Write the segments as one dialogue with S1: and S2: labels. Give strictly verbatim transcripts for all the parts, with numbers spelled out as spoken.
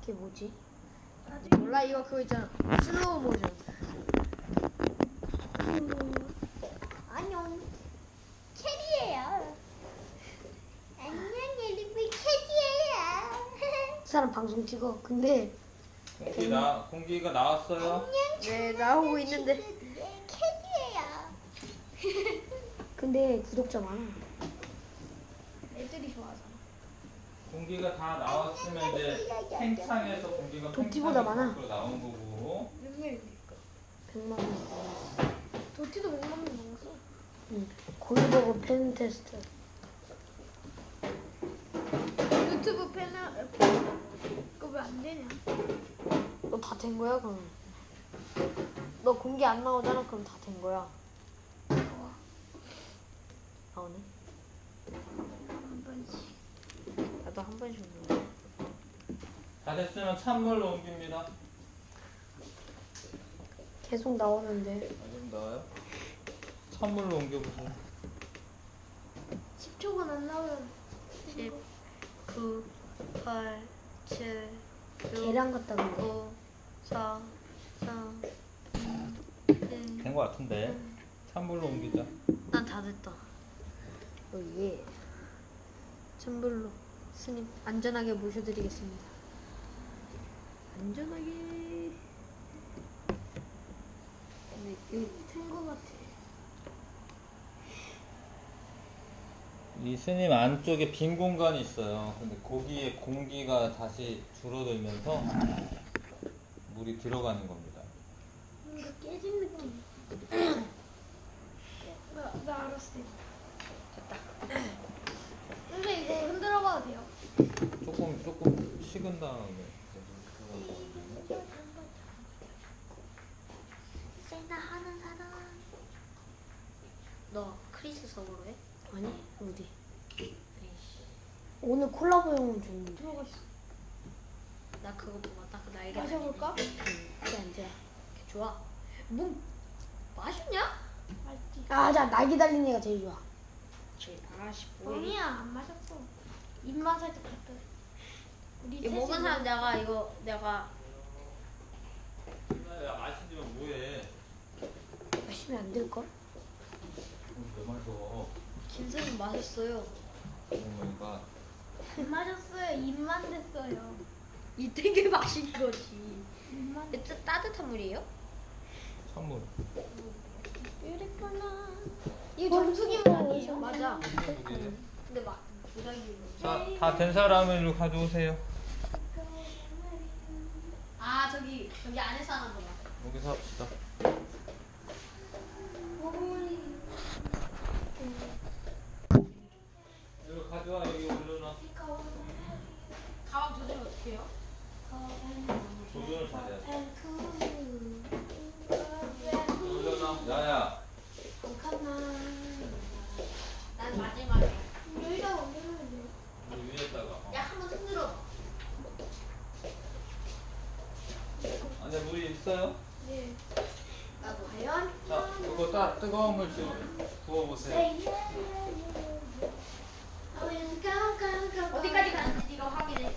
S1: 그게 뭐지?
S2: 몰라 이거 그거 있잖아. 슬로우 모션.
S3: 안녕. 캐리예요. 안녕 엘리베이 캐리예요.
S1: 이 사람 방송 찍어. 근데
S4: 공기 나 공기가 나왔어요.
S3: 안녕.
S2: 네 나오고 있는데.
S3: 캐리예요.
S1: 근데 구독자 많아.
S2: 애들이 좋아하잖아.
S4: 공기가 다 나왔으면 이제 팽창해서 공기가
S1: 도티보다
S4: 팽창해서
S1: 많아.
S4: 밖으로 나온 거고.
S2: 몇 명입니까?
S1: 백만 원.
S2: 도티도 백만 명 넘었어.
S1: 응. 골버거 팬 테스트.
S2: 유튜브 패널 그거 왜 안 되냐?
S1: 너 다 된 거야 그럼? 너 공개 안 나오잖아. 그럼 다 된 거야. 나오네.
S2: 한 번씩.
S1: 나도 한 번씩 눌러.
S4: 다 됐으면 찬물로 옮깁니다.
S1: 계속 나오는데.
S4: 좀 나와요? 찬물로 옮겨보세요.
S2: 십 초간 안 나오면
S1: 십, 구, 팔, 칠, 육, 계량 같다 근데.
S2: 어.
S1: 오, 사, 삼, 이, 일.
S4: 된 거 같은데. 찬물로 옮기자.
S1: 난 다 됐다. 오 예. 찬불로 스님 안전하게 모셔드리겠습니다. 안전하게. 근데 이
S2: 된거 같아.
S4: 이 스님 안쪽에 빈 공간이 있어요. 근데 거기에 공기가 다시 줄어들면서 물이 들어가는 겁니다.
S2: 뭔가 깨진 느낌. 나, 나 알았어. 됐다. 근데 이거 흔들어봐도 돼요?
S4: 조금 조금 식은 다음에
S3: 세나 하는 사람.
S1: 너 크리스 서버로 해?
S3: 아니 어디?
S1: 오늘 콜라보용은 좋은데.
S2: 들어갔어.
S1: 나 그거 보고 딱그 날개.
S2: 마셔볼까?
S1: 그래 안 돼. 좋아. 뭐 마셨냐?
S2: 맛있지.
S1: 아, 자 날개 달린 애가 제일 좋아. 아씨
S2: 아니야 안 마셨어. 입만 살짝 갔다. 우리
S1: 이거 먹은 사람 내가 이거 내가
S4: 야 마시면 뭐해?
S1: 마시면 안 될 걸?
S4: 왜 마셔?
S1: 김선님 마셨어요.
S4: 그러니까
S2: 안 마셨어요. 입만 됐어요.
S1: 이 되게 마신 거지.
S2: 입만.
S1: 이게 따- 따뜻한 물이에요?
S4: 찬물.
S2: 뷰티풀나. 이거 정수기 물 아니에요?
S1: 맞아.
S4: 물이에요.
S1: 근데 막 부작용이.
S4: 자, 다 된 사람을 일로 가져오세요.
S1: 아 저기 저기 안에서 하는 거야.
S4: 여기서 합시다. 이거 가져와 여기 올려놔.
S2: 가방 조절 어떻게 해요?
S4: 조절을 잘해야 돼. 올려놔. 야야.
S1: 난 마지막에.
S2: 여기다 옮기면 돼요.
S4: 이 위에다가. 어.
S1: 야 한번 흔들어.
S4: 안에 물이 있어요?
S2: 네.
S1: 나도 과연.
S4: 자, 이거 딱 뜨거운 물 좀 부어보세요.
S1: 어디까지 가는지 네가 확인해.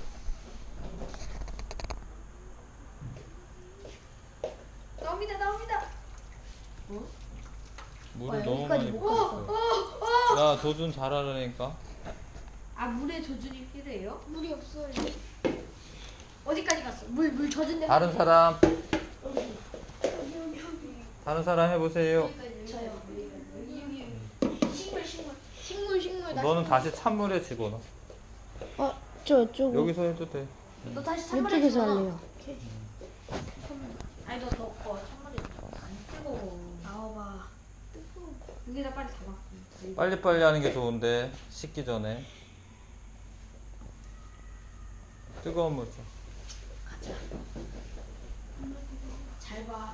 S2: 나옵니다 나옵니다.
S4: 물을
S1: 아,
S4: 너무
S1: 여기까지
S4: 많이
S1: 못
S4: 부었어. 야, 조준 잘하려니까.
S1: 아 물에 조준이 필요해요?
S2: 물이 없어요.
S1: 어디까지 갔어? 물 물 젖은 데.
S4: 다른 사람,
S2: 여기 여기 여기.
S4: 다른 사람 해보세요.
S2: 저요. 여기 여기. 식물 식물. 식물 식물. 나
S4: 너는 다시 찬물에 집어넣어.
S1: 어, 저 이쪽.
S4: 여기서 해도 돼.
S1: 너 다시 찬물에
S3: 이쪽에서
S1: 집어넣어.
S3: 할래요.
S1: 아니 너 덮어. 찬물에 안 뜨거워. 나와봐. 뜨거워. 여기다 빨리 담아.
S4: 빨리빨리 하는 게 좋은데, 식기 전에. 뜨거운 물 좀.
S1: 잘 봐.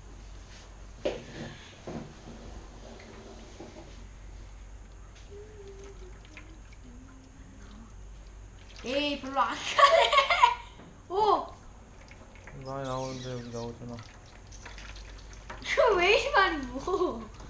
S1: 에이 별로 안 가네. 오.
S4: 많이 나오는데 여기 나오잖아.
S1: 그왜 이리 많이 뭐?